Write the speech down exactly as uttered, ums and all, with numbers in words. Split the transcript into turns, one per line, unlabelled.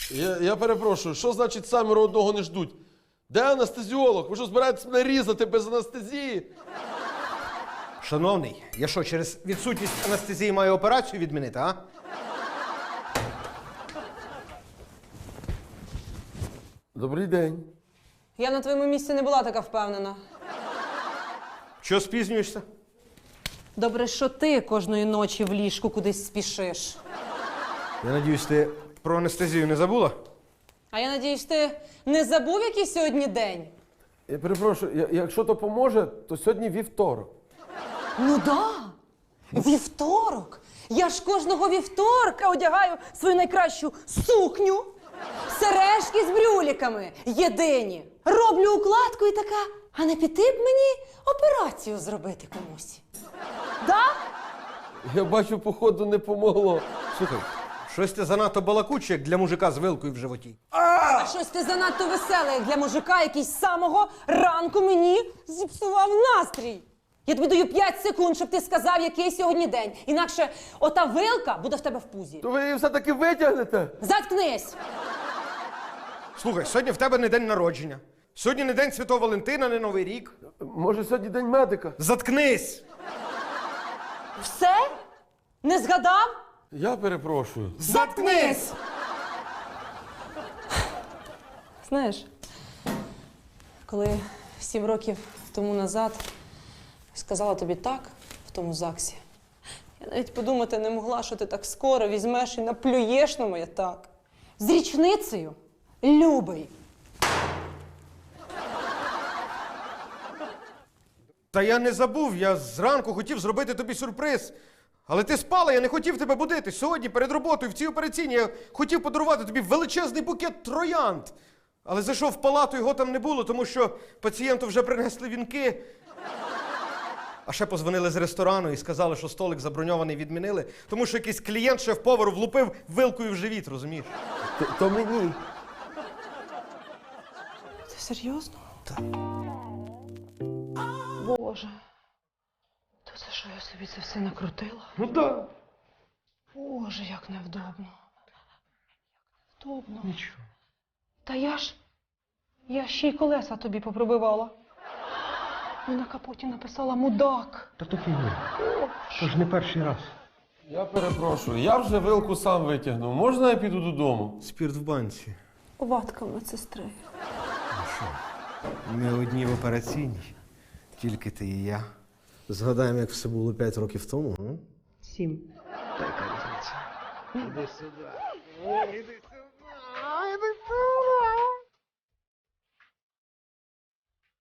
Я, я перепрошую, що значить саміро одного не ждуть? Де анестезіолог? Ви що, збираєтесь мене різати без анестезії?
Шановний, я що, через відсутність анестезії маю операцію відмінити, а?
Добрий день.
Я на твоєму місці не була така впевнена.
Чого спізнюєшся?
Добре, що ти кожної ночі в ліжку кудись спішиш.
Я надіюсь, ти про анестезію не забула?
А я надіюсь, ти не забув, який сьогодні день?
Я перепрошую, я, якщо то поможе, то сьогодні вівторок.
Ну да. Вівторок. Я ж кожного вівторка одягаю свою найкращу сукню, сережки з брюліками, єдині. Роблю укладку і така, а не піти б мені операцію зробити комусь. Да?
Я бачу, походу, не помогло.
Слухай, щось ти занадто балакуче, як для мужика з вилкою в животі.
А щось ти занадто веселий, як для мужика, який з самого ранку мені зіпсував настрій. Я тобі даю п'ять секунд, щоб ти сказав, який сьогодні день. Інакше ота вилка буде в тебе в пузі.
То ви її все-таки витягнете?
Заткнись!
Слухай, сьогодні в тебе не день народження. Сьогодні не день Святого Валентина, не Новий рік.
Може, сьогодні день медика?
Заткнись!
Все? Не згадав?
Я перепрошую.
Заткнись!
Знаєш, коли сім років тому назад сказала тобі так в тому ЗАГСі, я навіть подумати не могла, що ти так скоро візьмеш і наплюєш на моє так. З річницею, любий.
Та я не забув, я зранку хотів зробити тобі сюрприз. Але ти спала, я не хотів тебе будити. Сьогодні перед роботою в цій операційній я хотів подарувати тобі величезний букет троянд. Але зайшов в палату, його там не було, тому що пацієнту вже принесли вінки. А ще позвонили з ресторану і сказали, що столик заброньований відмінили, тому що якийсь клієнт шеф-повару влупив вилкою в живіт, розумієш?
То, то мені.
Ти серйозно?
Так.
Боже. То це що, я собі це все накрутила?
Ну так.
Боже, як невдобно. Як невдобно.
Нічого.
Та я ж, я ще й колеса тобі попробивала. І на капоті написала «мудак».
Та то фігня. То ж не перший раз.
Я перепрошую, я вже вилку сам витягнув. Можна я піду додому?
Спірт в банці.
Ватка медсестри.
Ми одні в операційній. Тільки ти і я. Згадаємо, як все було п'ять років тому, а?
Сім.
Та яка різниця? Іди сюди. О, іди сюди.